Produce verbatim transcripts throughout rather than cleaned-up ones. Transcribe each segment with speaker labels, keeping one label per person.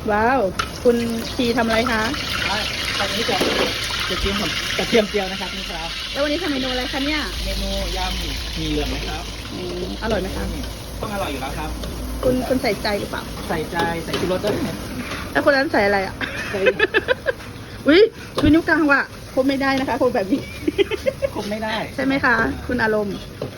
Speaker 1: ว้าวคุณชีทำอะไรคะ
Speaker 2: ตอนนี้จะจะกินผมกระเทียมเจียวนะครับนี่ครับ
Speaker 1: แล้ววันนี้ทำเมนูอะไรคะเนี่ย
Speaker 2: เมนูยำหมีเหลืองนะครับ
Speaker 1: อืมอร่อยไหมคะ
Speaker 2: ต้องอร่อยอยู่แล้วครับ
Speaker 1: คุณคุณใส่ใจหรือเปล่า
Speaker 2: ใส่ใจใส่ชูรสด้วย
Speaker 1: แล้วคนนั้นใส่อะไรอ่ะ
Speaker 2: ใส่
Speaker 1: อุ้ยชูนิ้วกลางว่ะคบไม่ได้นะคะคนแบบนี้
Speaker 2: คุมไม่ได้
Speaker 1: ใช่ไหมคะ คุณอารมณ์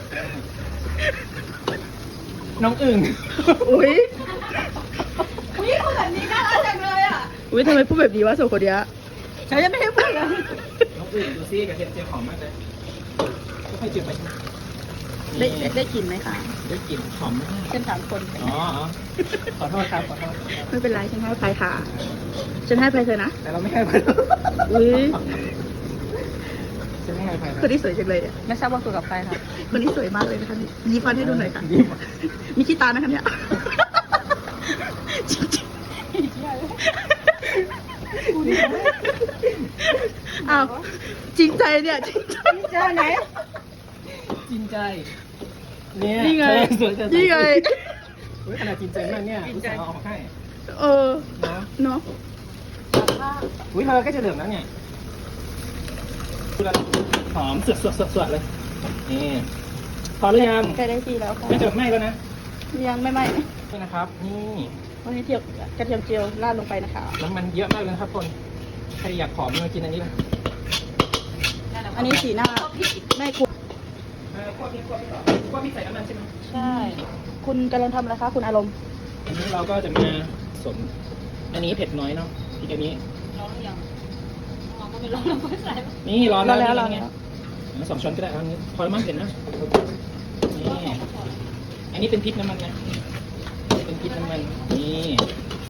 Speaker 2: น้องอึ่ง
Speaker 1: อุ้ย
Speaker 3: อุ้ยคนแบบนี้น่ารักจังเลยอ่ะ
Speaker 1: อุ้ยทำไมพูดแบบนี้วะสองคนเนี้ยฉันยังไม่ให้พูดเลย
Speaker 2: น้องอึ่งดูซิกระเทียมเจียวหอมมากเลยค่อยๆเจียวไป
Speaker 1: ได้ได้ได้กลิ่นไหมคะ
Speaker 2: ได้กลิ่นหอมมาก
Speaker 1: ฉันถามคน
Speaker 2: อ๋ออ๋อขอโทษครับขอโทษ
Speaker 1: ไม่เป็นไรฉันให้ไปค่ะ ฉันให้ไปเธอนะ
Speaker 2: แต่เราไม่ให้ไป
Speaker 1: อุ้ย
Speaker 2: จะไม่ให้ไป
Speaker 1: คนที่สวยจังเลยอ่ะ
Speaker 3: ไม่ทราบว่าคุยกับใครคะ
Speaker 1: คนนี้สวยมากเลยนะคะยิ้มฟันให้ดูหน่อยค่ะ
Speaker 2: ยิ้ม
Speaker 1: มีขี้ตานะคะเนี่ยอ้าวจริงใจเนี่ยจริงใจ
Speaker 3: เจอไหน
Speaker 2: จริงใจเนี่ย
Speaker 1: นี่ไง
Speaker 2: เธอสวยจัง
Speaker 1: นี่ไง
Speaker 2: เฮ้ยขนาดจริงใจมากเนี่ยจริงใจเอาออกมาให้
Speaker 1: เออ
Speaker 2: เนาะ
Speaker 1: เนาะ
Speaker 2: อุ้ยเธอก็จะเหลืองแล้วเนี่ยหอมสดสดสดสดเลยนี่พอหรือยัง
Speaker 1: ใกล้ได้ที่แล้วค่ะ
Speaker 2: ไม่จะไหม้แล้วนะ
Speaker 1: ยังไม่ไหม
Speaker 2: นี่นะครับ นี่
Speaker 1: วันนี้เทียบกระเทียมเจียวราดลงไปนะคะ
Speaker 2: น้ำมันเยอะมากเลยนะครับคนใครอยากผอมมากินอันนี้นะ
Speaker 1: อันนี้สีหน้าแม่คุณ
Speaker 2: เออคั่วพริกคั่วพริกต่อคั่วพริกใส่น้ำมันใช่ไหม
Speaker 1: ใช่ คุณกำลังทำอะไรคะคุณอารมณ์
Speaker 2: อันนี้เราก็จะมาสมอันนี้เผ็ดน้อยเนาะพริกอันนี้
Speaker 3: ร้องหรือยังร้องก็ไม่ร้องเราก็ใส่
Speaker 2: นี่ร้อน
Speaker 1: รอ
Speaker 2: แล้ว
Speaker 1: แล้วรอ
Speaker 2: นี่
Speaker 1: แล้ว
Speaker 2: ไงสองช้อนก็ได้เอาอันนี้พอแล้วมั้งเห็นนะนี่อันนี้เป็นพริกน้ำมันนะเป็นพริกน้ำมันนี่